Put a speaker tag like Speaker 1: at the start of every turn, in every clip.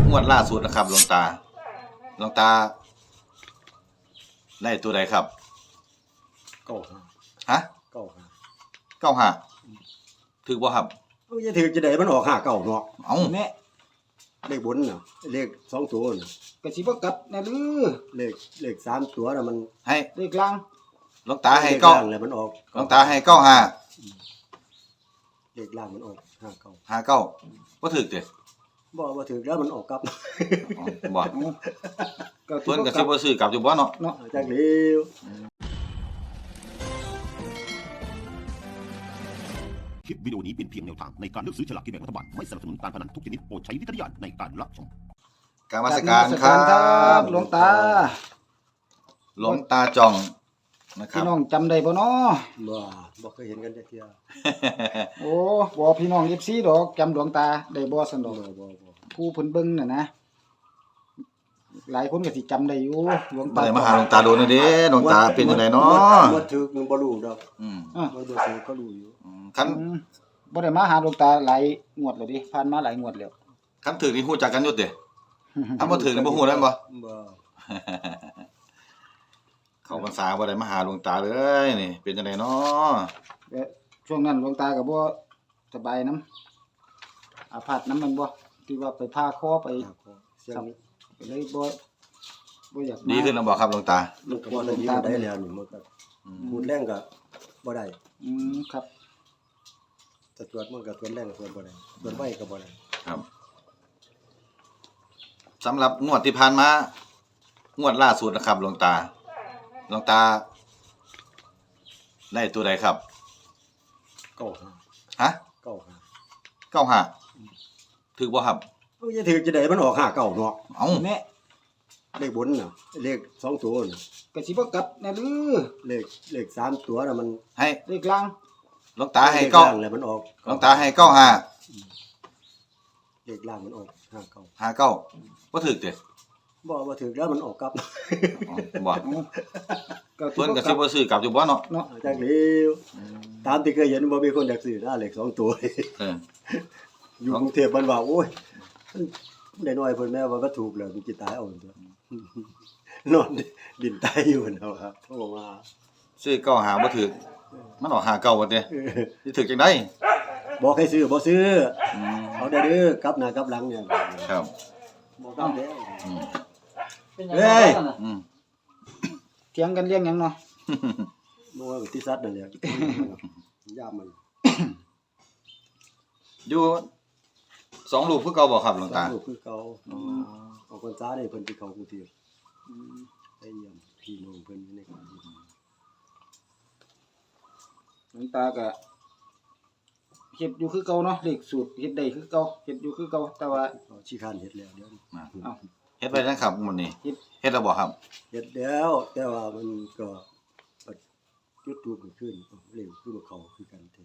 Speaker 1: งวดล่าสุดนะครับหลวงตาได้ตัวใดครับ
Speaker 2: เก้าห้า
Speaker 1: ฮะ95ถูกบ่ครับ
Speaker 2: จะถือจะได้มันออก5 9เนาะ
Speaker 1: เอ้า
Speaker 2: แน่เลขบนน่ะเลข2ตัวน่ะ
Speaker 3: ก็สิบ่กลับนะลือ
Speaker 2: เลข3ตัวน่ะมัน
Speaker 1: ให้
Speaker 3: เลขล่าง
Speaker 1: หลวงตาให้เก้า
Speaker 2: แล้วมันออก
Speaker 1: หลวงตาให้95
Speaker 2: เลขล่างมันออก
Speaker 1: 59บ่ถูกเด้
Speaker 2: บ่ถือแล้วมันออกกลับ
Speaker 1: บ่เพิ่นก็สิบ่ซื้อกลับอยู่บ่เนาะ
Speaker 2: จักเดียว
Speaker 4: คลิปวิดีโอนี้เป็นเพียงแนวทางในการเลือกซื้อฉลากกินแบ่งรัฐบาลไม่สนับสนุนการพนันทุกชนิดโปรดใช้วิจารณญาณในการรับชม
Speaker 1: กรรมการครับ
Speaker 3: หลวงตา
Speaker 1: จ่องนะครับ
Speaker 3: พี่น้องจำได้บ่เนาะ
Speaker 2: บ่เคยเห็นกันจักเที่ย
Speaker 3: โอ้บ่พี่น้อง FC ดอกจำหลวงตาได้บ่ซั่นดอกผู้เพิ่นเบิ่งน่ะนะหลายคนก็สิจำได้อยู่หลวงตา
Speaker 1: บ่ได้มาหาหลวงตาโดนเด้หลวงตาเป็นจังได๋เนาะ
Speaker 2: บ่ถือมึงบ่รู้ดอกบ่ถือก็รู้อยู่
Speaker 1: คัน
Speaker 3: บ่ได้มาหาหลวงตาหลายงวดแล้วดิผ่านมาหลายงวดแล้ว
Speaker 1: คันถือนี่ฮู้จักกันอยู่เด้ถ้าบ่ถือนี่บ่ฮู้แล้วบ่เข้าพรรษาบ่ได้มาหาหลวงตาเลยนี่เป็นจังได๋เนาะ
Speaker 3: ช่วงนั้นหลวงตาก็บ่สบายนำอาพาธนำมันบ่ที่ว่าไปพาคอไป
Speaker 2: เสียง
Speaker 3: ก็เลยบ่อยาก
Speaker 1: ดีขึ้นแล้วบ่ครับหลวงตา
Speaker 2: มันก็บ่ได้ดีได้แล้วนี่มันก็พูดแรงก็บ่ได้
Speaker 3: ครับ
Speaker 2: แต่ตรวจมันก็ตรวจแรงตรวจบ่ได้ตรวจไวก็บ่ได้
Speaker 1: ครับสำหรับงวดที่ผ่านมางวดล่าสุดนะครับหลวงตาได้ตัวใดครับ
Speaker 2: 95
Speaker 1: ฮะ95ถูกบ่ครับ
Speaker 2: จะถือจะได้มันออก5 9เนาะ
Speaker 1: เอ้า
Speaker 3: แน่
Speaker 2: เลขบนน่ะเลข2ตัวน่ะ
Speaker 3: ก็สิบ่กลับนะลือ
Speaker 2: เลข3ตัวน่ะมัน
Speaker 1: ให้
Speaker 3: เลขล่าง
Speaker 1: หลวงตาให้9
Speaker 2: แล้วมันออก
Speaker 1: หลวงตาให้95
Speaker 2: เลขล่างมันออก
Speaker 1: 59บ่ถูกเด้
Speaker 2: บ่ถือแล้วมันออกกลับ
Speaker 1: บ่เพิ่นก็สิบ่ซื้อกลับอยู่บ่เนาะ
Speaker 2: จักเดียวตามที่เคยเห็นบ่มีคนอยากซื้อนะเลข2ตัวอยู่กรุงเทพมันว่าโอ้ยได้น้อยเพิ่นแม่ว่าบ่ถูกแล้วมันสิตายเอาตัวนอนดินตายอยู่เนาะครับโทรมา
Speaker 1: ซื้อ95บ่ถูกมันออก59บ่เด้สิถูกจังได๋
Speaker 2: บอกให้ซื้อบ่ซื้อเอาเด้อกลับหน้ากลับหลังเนี่ย
Speaker 1: ครับ
Speaker 2: บ่กลับเด้
Speaker 3: เฮ้ยเถียงกันเรื่องหยังเนาะ
Speaker 2: บ่ว่าที่สัตว์นั่นแหละยามมัน
Speaker 1: อยู่2ลูกคือเก่าบ่ครับหลวงตา
Speaker 2: 2ลูกคือเก่าออกพรรษานี่เพิ่นสิเข้ากรุงเทพไปเยี่ยมพี่น้องเพิ่นอยู่ในกรุงเทพ
Speaker 3: หลวงตาก็เฮ็ดอยู่คือเก่าเนาะเลขสูตรเฮ็ดได้คือเก่าเฮ็ดอยู่คือเก่าแต่ว่า
Speaker 2: ขี้คร้านเฮ็ดแล้วเดี๋ยว
Speaker 1: อ้าวเฮ็ดไว้จังครับมื้อนี้เฮ็ดแล้วบ่ครับ
Speaker 2: เฮ็ดแล้วแต่ว่ามันก็จุดทูปขึ้นเร็วคือบ่เข้าคือกันแท้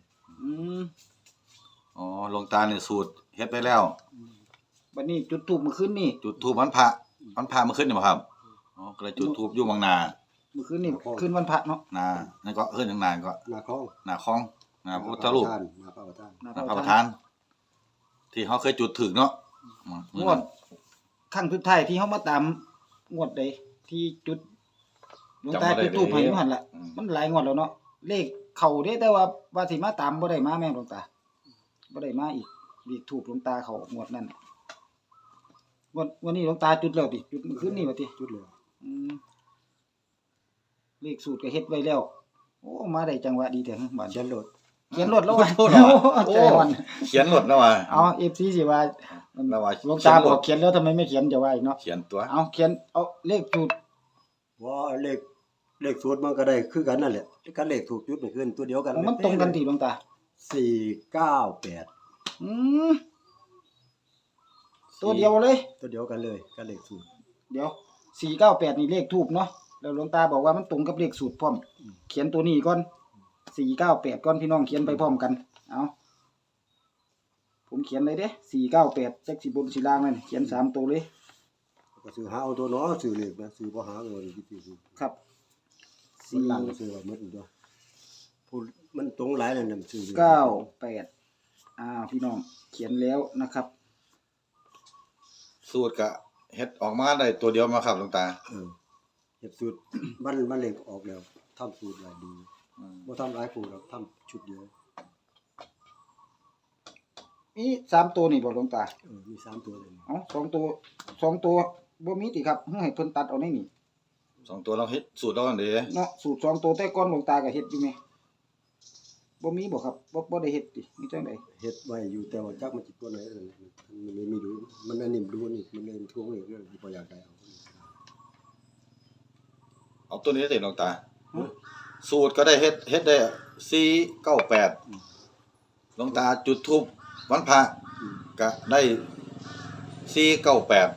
Speaker 1: อ๋อหลวงตานี่สูตรเฮ็ดไปแล้ว
Speaker 3: บัดนี้จุดธูปมื้อคืนนี้
Speaker 1: จุดธูปวันพระมื้อคืนนี่บ่ครับอ๋อก็เลยจุดธูปอยู่บางนา
Speaker 3: มื้อคืนนี่คืนวันพระเนาะ
Speaker 1: นานั่นก็คืนทางนาก็
Speaker 2: นาคอง
Speaker 1: นาพุทธรูป
Speaker 2: นาพระ
Speaker 1: ประธานที่เฮาเคยจุดถึกเนาะ
Speaker 3: งวดครั้งสุดท้ายที่เฮามาตามงวดใดที่จุดหลวงตาจุดธูปให้อยู่หั่นล่ะมันหลายงวดแล้วเนาะเลขเข้าเด้แต่ว่าสิมาตามบ่ได้มาแม่หลวงตาบ่ได้มาอีกเลขธูปหลวงตาเข้างวดนั้นวันนี้หลวงตาจุดแล้วติจุดมื้อคืนนี้ว่าติ
Speaker 2: จุดแล้ว
Speaker 3: เลขสูตรก็เฮ็ดไว้แล้วโอ้มาได้จังหวะดีแท้บัด
Speaker 2: เขียนรถ
Speaker 3: แล้วว่ะใจอ่อน
Speaker 1: เขียนรถแล้วว่ะ
Speaker 3: เอา FC สิว่าหลวงตาบอกเขียนแล้วทำไมไม่เขียนจะว่าอีกเนาะ
Speaker 1: เขียนตัว
Speaker 3: เอาเขียนเอาเลขสูตร
Speaker 2: ว่าเลขสูตรมันก็ได้คือกันนั่นแหละกันเลขถูกจุดนี่คือตัวเดียวกัน
Speaker 3: มันตรงกันติหลวงตา
Speaker 2: 498
Speaker 3: ตัวเดียวเลย
Speaker 2: ตัวเดียวกันเลยกันเลขสูตร
Speaker 3: เดี๋ยว498นี่เลขทูปเนาะแล้วหลวงตาบอกว่ามันตรงกับเลขสูตรพร้อมเขียนตัวนี้ก่อน498ก่อนพี่น้องเขียนไปพร้อมกันเอาผมเขียนเลยเด้498จักสิบนสิล่างนั่นเขียน3ตัวเลย
Speaker 2: ก็ซื้อหาเอาตัวเนาะซื้อเลขนะซื้อบ่หาเงินที่ซื้อ
Speaker 3: ครับ
Speaker 2: 4ล่างซื้อว่าหมดตัวพูดมันตรงหลายนั่นน่ะซื้อ
Speaker 3: 98พี่น้องเขียนแล้วนะครับ
Speaker 1: สูตรก็เฮ็ดออกมาได้ตัวเดียวมาครับหลวงตา
Speaker 2: เฮ็ดสูตร มันเล็กออกแล้วทำสูตรหลายดี
Speaker 1: อืม
Speaker 2: บ่ทำหลายคู่หรอกทำชุดเดียว
Speaker 3: มี3ตัวนี่บ่หลวงตา
Speaker 2: มี3ตัวเลย
Speaker 3: เอ้า2ตัวบ่มีติครับให้เพิ่นตัดเอาในนี่
Speaker 1: 2ตัวเราเฮ็ดสูตรเราอันเด้
Speaker 3: เนาะสูตร2ตัวแต่ก่อนหลวงตาก็เฮ็ดอยู่แม่บ่มีบ่ครับบ่ได้เฮ็ดติมีจังได๋
Speaker 2: เฮ็ดไว้อยู่แต่ว่าจักมันสิตัวไหนมันเลยมีดูมันอันนี้ดูนี่มันเลยทวงนี่ก็บ่อยากได้เอา
Speaker 1: เอาตัวนี้ได้หลวงตา สูตรก็ได้เฮ็ดได้498หลวงตาจุดธูปวันพระก็ได้498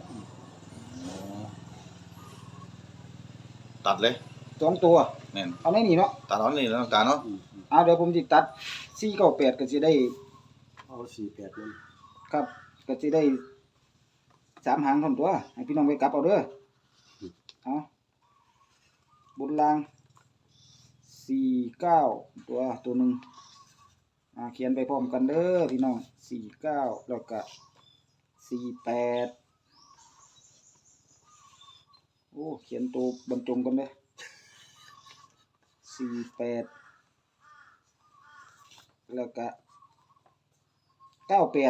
Speaker 1: ตัดเลย
Speaker 3: 2ตัว
Speaker 1: แม่น
Speaker 3: เอาในนี่เนาะ
Speaker 1: ตัดเอานี่แล้วหลวงตาเนาะ
Speaker 3: เดี๋ยวผมสิตัด498ก็สิได้
Speaker 2: เอา48นั่น
Speaker 3: ครับก็สิได้3หางเท่านั้นตัวให้พี่น้องไปกลับเอาเด้อเอาบนล่าง49ตัวหนึงเขียนไปพร้อมกันเด้อพี่น้อง49แล้วก็48โอ้เขียนตัวบรรจงกันเด้อ48แล้วก็98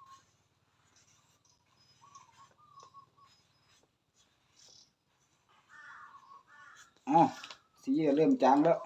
Speaker 3: สีก็เริ่มจางแล้ว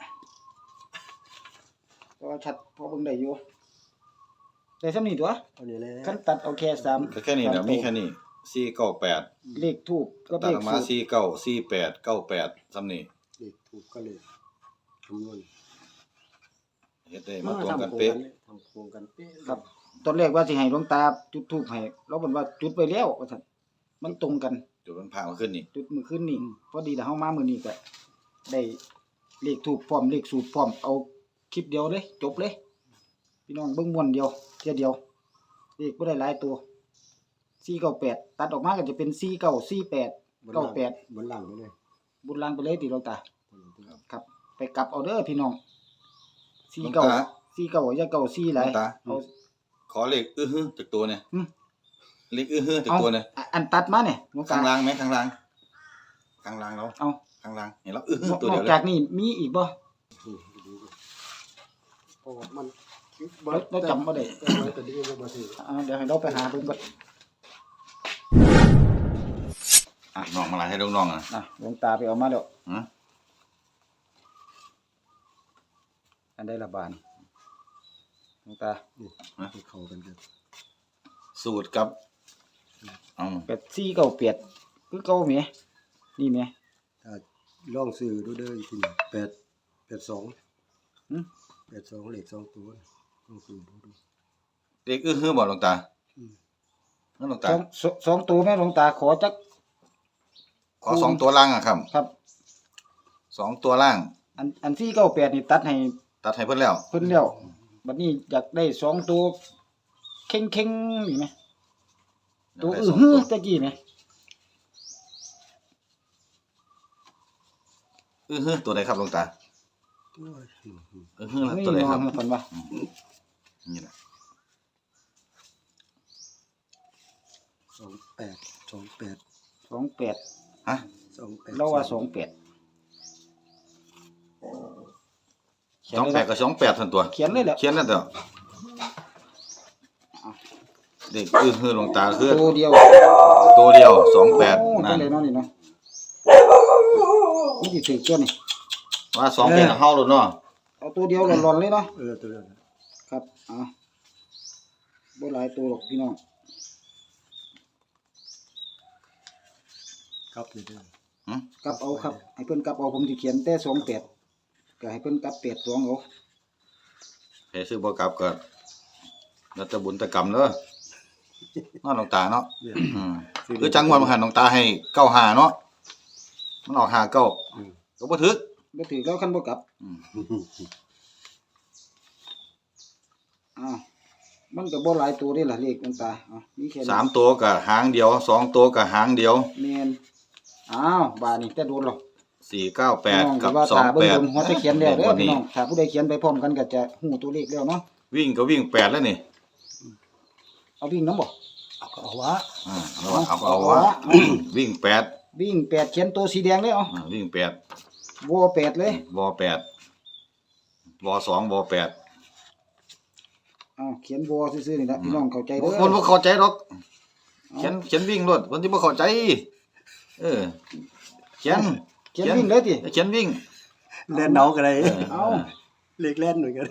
Speaker 3: ก็ชัดพอเบิ่งได้อยู่ได้ส่ำนี้ตัว
Speaker 2: เอานี่แหละ
Speaker 3: คันตัดเอาแค่3
Speaker 1: ก็แค่นี้แหละมีแค่นี้498
Speaker 3: เลขทูปกับ
Speaker 1: ตั
Speaker 3: เล
Speaker 1: ดอ
Speaker 3: ข
Speaker 1: อกมา
Speaker 3: สูตร
Speaker 1: 49 48 98ซ้ำนี่
Speaker 2: เลขถูกก็เลยคำนวณ
Speaker 1: เฮ็ดได้มาตรงกันเป๊ะ
Speaker 2: ทำโครงกันเป๊ะ
Speaker 3: ครับตอนแรกว่าสิให้หลวงตาจุดธูปให้เราบอกว่าจุดไปแล้วว่าซั่นมันตรงกัน
Speaker 1: จุดมันพามาขึ้นนี่
Speaker 3: จุดมื้อคืนนี้พอดีถ้าเฮามามื้อนี้ก็ได้เลขทูปพร้อมเลขสูตรพร้อมเอาคลิปเดียวเลยจบเลยพี่น้องเบิ่งม่วนเดียวเที่ยเดียวเลขบ่ได้หลายตัว498ตัดออกมาก็จะเป็น4948 98
Speaker 2: บนล่างไปเลย
Speaker 3: บุญลางไปเลยติหลวงตาครับ ไปกลับเอาเด้อพี่น้อง
Speaker 1: หลวงตา
Speaker 3: 49อย่าเก่า4หลาย
Speaker 1: หลวงตา
Speaker 3: เอา
Speaker 1: ขอเลขอื้อฮือจากตัวเนี่ย
Speaker 3: หึ
Speaker 1: เลขอื้อฮือจากตัวเนี่ย
Speaker 3: อันตัดมาเนี่ยหลวงตา
Speaker 1: ข้างล่างไหมข้างล่างข้างล่างเรา
Speaker 3: เอา
Speaker 1: ข้างล่างเห็นแล้วอื้อฮือน
Speaker 3: อก
Speaker 1: ตัวเดียว
Speaker 3: น
Speaker 1: เล
Speaker 3: จาก
Speaker 1: ย
Speaker 3: นี้มีอีกบ่
Speaker 2: เพราะว่ามัน
Speaker 3: เราจำบ่ได้
Speaker 2: แต่ดีบ่ถือ
Speaker 3: เดี๋ยวให้เราไปหาเบิ่งก่อน
Speaker 1: น้องมาลายให้น้องๆอ่ะ
Speaker 3: หลวงตาไปเอามาแล้ว
Speaker 1: ฮะ
Speaker 3: อันใดละบาทนี่หลวงตา
Speaker 2: ให้เข้ากันกัน
Speaker 1: สูตรกับเอา
Speaker 3: 8498คือเก่าแหมนี่แหม
Speaker 2: ถ้าลองซื้อดูเด้ออีกทีนึง82
Speaker 3: หึ
Speaker 2: 82เลข2ตัวลองซื้อดู
Speaker 1: เลขอื้อฮือบ่หลวงตา
Speaker 2: อืม
Speaker 1: นั่นหลวงตา
Speaker 3: สองตัวแม่หลวงตาขอจัก
Speaker 1: ขอ2ตัวล่างอ่ะครับ
Speaker 3: ครับ
Speaker 1: 2ตัวล่าง
Speaker 3: อัน498นี่ตัดให้
Speaker 1: ตัดให้เพิ่นแล้ว
Speaker 3: เพิ่นแล้วบัดนี้อยากได้2ตัวเข่งๆนี่แหมตัว
Speaker 1: ได้
Speaker 3: อื้อ
Speaker 1: สง
Speaker 3: หือ
Speaker 1: ตัว
Speaker 3: ตะกี้แหม
Speaker 1: อื้อฮือตัวใดครับหลวงตา
Speaker 2: โอ้ย
Speaker 1: อื้อฮือ
Speaker 3: นี่
Speaker 1: ตัวใด
Speaker 3: เนาะ
Speaker 1: ครับ
Speaker 3: เพิ่นว่า
Speaker 1: นี่แหละ
Speaker 2: 28
Speaker 3: 28
Speaker 1: ฮะ
Speaker 3: เราว่า28
Speaker 1: 28กับ28ซั่นตัว
Speaker 3: เขียนเลยแหละ
Speaker 1: เขียนนั่นเถอะเด็กอื้อหลวงตาคือ
Speaker 3: ตัวเดียว
Speaker 1: ตัวเดียว
Speaker 3: โอ้
Speaker 1: 28
Speaker 3: นั่
Speaker 1: นั่
Speaker 3: น
Speaker 1: น
Speaker 3: เลยเนาะนี่เนาะนี่สิถือตัวนี่
Speaker 1: ว่า28เฮาโลดเนาะ
Speaker 3: เอาตัวเดียวหลอนๆเลยเนาะ
Speaker 2: ตัวนั้น
Speaker 3: ครับบ่หลายตัวหรอกพี่น้อง
Speaker 2: ครับนี่เด้อก
Speaker 3: ลับเอาครับให้เพิ่นกลับเอาผมสิเขียนแต่28ก็ให้เพิ่นกลับ82เอา
Speaker 1: ให้ซื้อบ่กลับก็แล้วแต่บุญแต่กรรมเด้อเนาะหลวงตาเนาะ
Speaker 2: เนี่ย
Speaker 1: อืมคือจังหวัดมหันหลวงตาให้95เนาะมันออก59ก็บ่ถึก
Speaker 3: บ่ถือแล้วคันบ่กลับ
Speaker 1: อืม
Speaker 3: มันก็บ่หลายตัวเด้ล่ะเลขหลวงตามีแค่นี้
Speaker 1: 3ตัวก็หางเดียว2ตัวก็หางเดียว
Speaker 3: แม่นบาดนี้แต่โดนหรอก
Speaker 1: 498กับ
Speaker 3: ว่าถ้าเบิ่งบนหัว
Speaker 1: 28
Speaker 3: จะเขียนแล้วเด้อ
Speaker 1: วัน
Speaker 3: พี่
Speaker 1: นี้
Speaker 3: น้องถ้าผู้ใดเขียนไปพร้อมกันก็จะฮู้ตัวเลขแล้วเนาะ
Speaker 1: วิ่งก็วิ่ง8แล้วนี่
Speaker 3: เอาวิ่งนำบ่
Speaker 2: เอาวะ
Speaker 1: เอาวะวิ่งแปด
Speaker 3: วิ่ง8เขียนตัวสีแดงเลยเอา
Speaker 1: วิ่งแปด
Speaker 3: วอ8เลย
Speaker 1: วอแปดวอสองวอแปด
Speaker 3: เอาเขียนวอซื่อๆนี่ละพี่น้องเข้าใจเด้อ
Speaker 1: คนบ่เข้าใจหรอกเขียนวิ่งรถคนที่บ่เข้าใจเขียน
Speaker 3: เขียนวิ่งเลยติ
Speaker 1: เขียนวิ่ง
Speaker 2: เล่นเนากันเลย
Speaker 3: เอา
Speaker 2: เล็กเล่นเหมือนกัน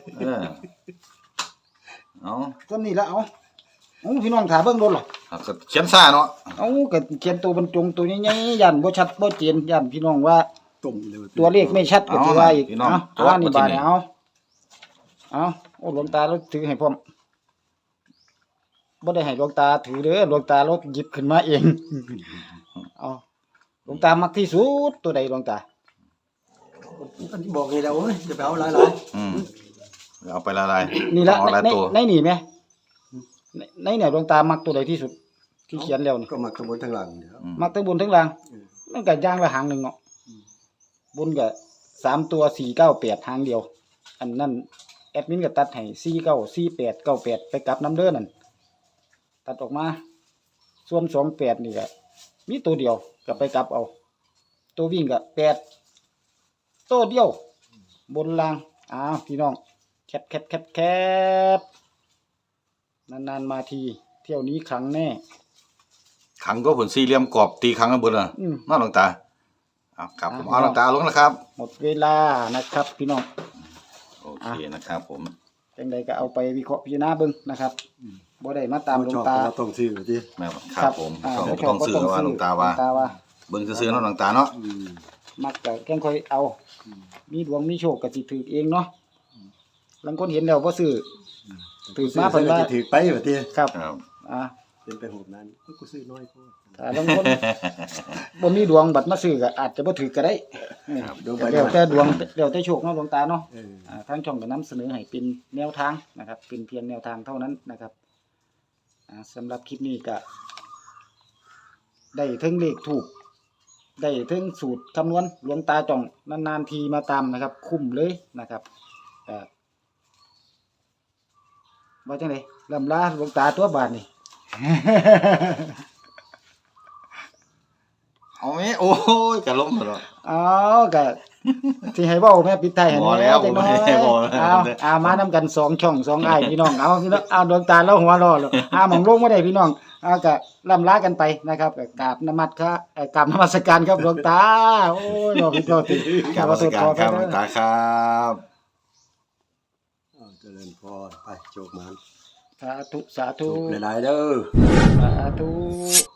Speaker 1: เอา
Speaker 3: ต้นนี้ละเอาพี่น้องถาเบิ่งโดนหรอ
Speaker 1: ก็เขียนซ่าเนาะ
Speaker 3: เอาก็เขียนตัวบรรจงตัวใหญ่ๆยันบ่ชัดบ่เจนยันพี่น้องว่า
Speaker 2: ตุ่มเลย
Speaker 3: ตัวเลขไม่ชัดก็สิว่าอีก
Speaker 1: พี่น้อง
Speaker 3: เอานี่บาดเนี่ยเอาโอ้หลวงตาเราถือให้พร้อมบ่ได้ให้หลวงตาถือเด้อหลวงตาเราหยิบขึ้นมาเองเอาหลวงตามักที่สุดตัวใดหลวงตา
Speaker 2: อันที่บอกไงแล้วโอ้ยจะไปเอาหลาย
Speaker 1: เอาไปละลาย
Speaker 3: นี่ละ
Speaker 1: เอาหลายตัว
Speaker 3: ในนี่แม่ในเนี่ยหลวงตามักตัวใดที่สุด ที่เขียนแล้วนี่
Speaker 2: ๆก็มาข้างบนข้างหลังเนี่ย
Speaker 3: มักทั้งบนทั้งล่างมันก็อย่างละหางหนึงเนาะบนก็3ตัว498หางเดียว อันนั้นแอดมินก็ตัดให้494898ไปกลับน้ำเด้อนั่นตัดออกมา ส่วน28นี่ก็มีตัวเดียวก็ไปกลับเอา ตัววิ่งก็8ตัวเดียว บนล่างพี่น้องแคปนานๆมาทีเที่ยวนี้ครั้งแน่
Speaker 1: ขังก็ผลสี่เหลี่ยมกรอบตีขังกันเบิดน่ะ
Speaker 3: อืม
Speaker 1: น้าหลวงตาเอาครับผมเอาหลวงตาลงนะครับ
Speaker 3: หมดเวลานะครับ พี่น้อง
Speaker 1: โอเคนะครับผม
Speaker 3: จังใดก็เอาไปวิเคราะห์พิจารณาเบิ่งนะครับบ่ได้มาตามหลวงตา
Speaker 2: ต้องซื้อที่
Speaker 1: แม่ครับผมต้องซื้อว่าหลวงตาว่าเบิ่งซื่อๆเนาะหลวงตาเนาะ
Speaker 3: มักก็แค่ค่อยเอา มีดวงมีโชคก็สิถือเองเนาะบางคนเห็นแล้วบ่ซื้อถือมาเพิ่นว่า
Speaker 2: ถือไปแบบที่
Speaker 3: ครับ
Speaker 1: ครับ
Speaker 2: เป็นไปโหดนั้นกูซื้อน้อยกู
Speaker 3: ถ้าบางคนบ่มีดวงบัดมาซื้อก็อาจจะบ่ถือก็ได้
Speaker 1: ครับ
Speaker 2: เดี๋ยวไป
Speaker 3: แล้วแต่ดวงแล้วแต่โชคเนาะหลวงตาเนาะ
Speaker 2: เออ
Speaker 3: ทางช่องก็นำเสนอให้เป็นแนวทางนะครับ เป็นเพียงแนวทางเท่านั้นนะครับสำหรับคลิปนี้ก็ได้ถึงเลขถูกได้ถึงสูตรคำนวณหลวงตาจ่องนานๆทีมาตามนะครับ คุ้มเลยนะครับว่าจังไดลำลาหลวงตาตัวบาดนี่
Speaker 1: เอาไหมโอ้ยกะล้มตลอด
Speaker 3: เอาก็ที่ให้เว้าแม่ปิดท้ายให้
Speaker 1: บ่แล้ว
Speaker 3: จังน้อย
Speaker 1: บ่ได้บ่แล้ว
Speaker 3: เอามานำกัน2ช่อง2อ้ายพี่น้องเอาพี่น้องเอาดวงตาแล้วหัวเรอแล้วหม่องลงบ่ได้พี่น้องเอาก็ล่ำลากันไปนะครับก็กราบนมัสกราบนมัสการครับหลวงตาโอ้ยบ่ผิดบ่ถูก
Speaker 1: กราบนมัสการครับหลวงตาครับ
Speaker 2: เจริญพรไปโชคมัน
Speaker 3: สาธุสาธุ
Speaker 2: หลายๆเด้อ
Speaker 3: สาธุ